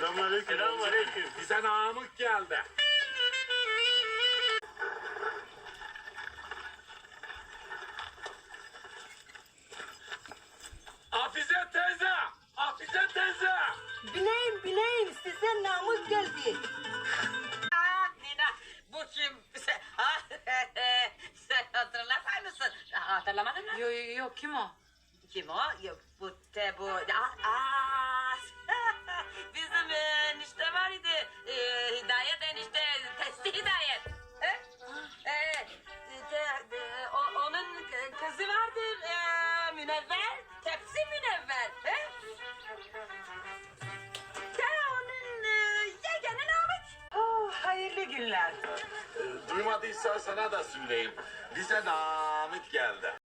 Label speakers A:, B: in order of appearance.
A: Selamünaleyküm.
B: Selamünaleyküm.
C: Bize Namık geldi. Hafize teyze! Hafize teyze!
D: Bileyim size Namık geldi.
E: Nina, bu kim? Sen hatırlamaz mısın? Hatırlamadın mı?
D: Yok kim o?
E: Kim o? Yok, bu. Bizim enişte var idi. Hidayet enişte, testi Hidayet. Onun kızı vardır, Münevver, tepsi Münevver. Onun yegeni Namık.
D: Oh, hayırlı günler.
C: Duymadıysan sana da söyleyeyim. Bize Namık geldi.